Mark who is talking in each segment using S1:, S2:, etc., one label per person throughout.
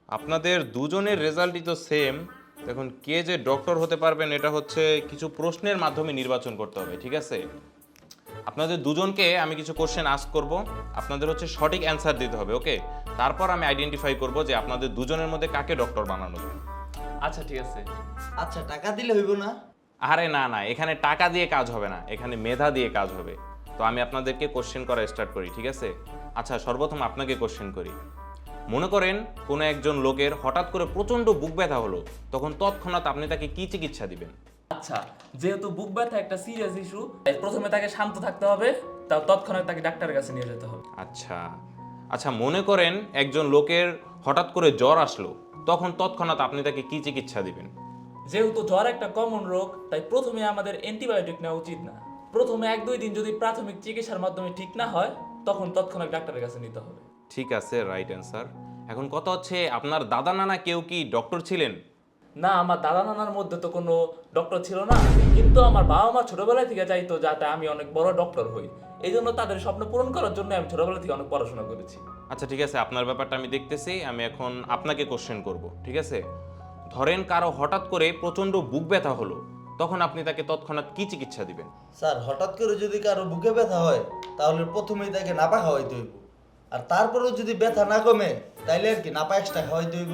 S1: আপনাদের দুজনের রেজাল্টই তো সেম। দেখুন কে যে ডক্টর হতে পারবেন এটা হচ্ছে কিছু প্রশ্নের মাধ্যমে নির্বাচন করতে হবে, ঠিক আছে? আপনাদের দুজনকে আমি কিছু কোশ্চেন আস্ক করব, আপনাদের হচ্ছে সঠিক অ্যান্সার দিতে হবে, ওকে? তারপর আমি আইডেন্টিফাই করব যে আপনাদের দুজনের মধ্যে কাকে ডক্টর বানানো যায়।
S2: আচ্ছা ঠিক আছে।
S3: আচ্ছা টাকা দিলে হইব না?
S1: আরে না না, এখানে টাকা দিয়ে কাজ হবে না, এখানে মেধা দিয়ে কাজ হবে। তো আমি আপনাদেরকে কোশ্চেন করা স্টার্ট করি, ঠিক আছে? আচ্ছা সর্বপ্রথম আপনাকে কোশ্চেন করি। মনে করেন কোনো একজন লোকের হঠাৎ করে প্রচণ্ড বুক ব্যথা হলো, তখন তৎক্ষণাৎ আপনি তাকে কি চিকিৎসা দিবেন?
S2: আচ্ছা, যেহেতু বুক ব্যথা একটা সিরিয়াস ইস্যু, প্রথমে তাকে শান্ত থাকতে হবে, তার তৎক্ষণাৎ তাকে ডাক্তারের কাছে নিয়ে যেতে হবে।
S1: আচ্ছা আচ্ছা, মনে করেন একজন লোকের হঠাৎ করে জ্বর আসলো, তখন তৎক্ষণাৎ আপনি তাকে কি চিকিৎসা দিবেন?
S2: যেহেতু জ্বর একটা কমন রোগ, তাই প্রথমে আমাদের অ্যান্টিবায়োটিক নেওয়া উচিত না। প্রথমে 1-2 দিন যদি প্রাথমিক চিকিৎসার মাধ্যমে ঠিক না হয়, তখন তৎক্ষণাৎ ডাক্তারের কাছে নিতে হবে।
S1: ঠিক আছে, রাইট অ্যান্সার। এখন কথা হচ্ছে আপনার দাদা নানা কেউ কি ডক্টর ছিলেন?
S2: না, আমার দাদা নানার মধ্যে তো কোনো ডক্টর ছিল না, কিন্তু আমার বাবা মা ছোটবেলা থেকে চাইতো যাতে আমি অনেক বড় ডক্টর হই। এই জন্য তাদের স্বপ্ন পূরণ করার জন্য আমি ছোটবেলা থেকে অনেক পড়াশোনা করেছি।
S1: আচ্ছা ঠিক আছে, আপনার ব্যাপারটা আমি দেখতেছি। আমি এখন আপনাকে কোশ্চেন করব, ঠিক আছে? ধরেন কারো হঠাৎ করে প্রচণ্ড বুক ব্যথা হলো, তখন আপনি তাকে তৎক্ষণাৎ কি চিকিৎসা দিবেন?
S3: স্যার হঠাৎ করে যদি কারো বুকে ব্যথা হয় তাহলে প্রথমেই তাকে নাপা খাওয়াইতে হইব। আর তারপরেও যদি ব্যথা না কমে তাইলে আর কি নাপা এক্সট্রা খাওয়াইতে হইব।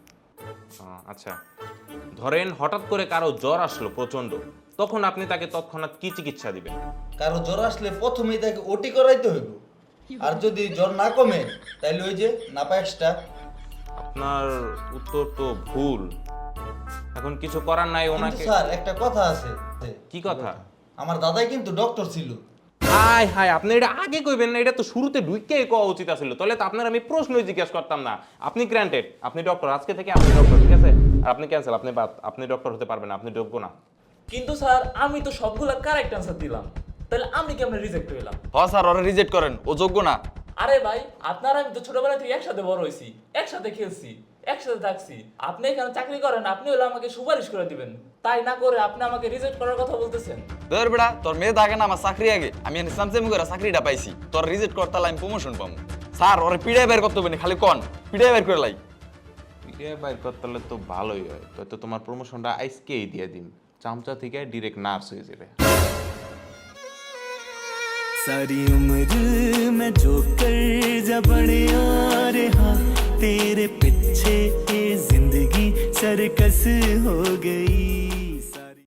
S1: আচ্ছা, ধরেন হঠাৎ করে কারো জ্বর আসলো প্রচণ্ড, তখন আপনি তাকে তৎক্ষণাৎ কি চিকিৎসা দিবেন?
S3: কারো জ্বর আসলে প্রথমেই তাকে ওটি করাইতে হইব। আর যদি জ্বর না কমে তাইলে ওই যে নাপা এক্সট্রা।
S1: আপনার উত্তর তো ভুল। এখন কিছু করার নাই
S3: কিন্তু
S1: ওনাকে।
S3: স্যার একটা কথা আছে।
S1: কি কথা?
S3: আমার দাদাই কিন্তু ডক্টর ছিল।
S1: হাই হাই, আপনি এটা আগে কইবেন না, এটা তো শুরুতে ঢুইকেই কওয়া উচিত ছিল। তাহলে তো আপনার আমি প্রশ্নই জিজ্ঞেস করতাম না। আপনি গ্র্যান্টেড, আপনি ডক্টর, আজকে থেকে আপনি ডক্টর, ঠিক আছে? আর আপনি ক্যান্সেল, আপনি বাদ, আপনি ডক্টর হতে পারবেন না, আপনি যোগ্য না।
S2: কিন্তু স্যার আমি তো সবগুলা কারেক্ট অ্যান্সার দিলাম, তাহলে আমি কেমনে রিজেক্ট হইলাম?
S4: স্যার ওরা রিজেক্ট করেন, ও যোগ্য না।
S2: আরে ভাই, আপনারা আমি তো ছোটবেলা থেকে একসাথে বড় হয়েছি, একসাথে খেলছি, একসাথে থাকছি। আপনি এখানে চাকরি করেন, আপনি হলে আমাকে সুপারিশ করে দিবেন, তাই না করে আপনি আমাকে রিজেক্ট করার কথা বলতেছেন?
S4: ধর বেড়া, তোর মেয়ে থাকে না আমার চাকরি আগে, আমি ইসলাম সেমি করে চাকরিটা পাইছি, তোর রিজেক্ট করতে আমি প্রমোশন পাবো। স্যার ওরে পিড়াই বের করতে হবে না, খালি কন পিড়াই বের করে লাই।
S1: পিরিয়া বাইর করতে হলে তো ভালোই হয়, তো তোমার প্রমোশনটা আজকেই দিয়ে দিন, চামচা থেকে ডিরেক্ট নার্স হয়ে যাবে।
S5: सारी उम्र मैं जो कर जा बड़े आ रहा तेरे पीछे ये जिंदगी सरकस हो गई।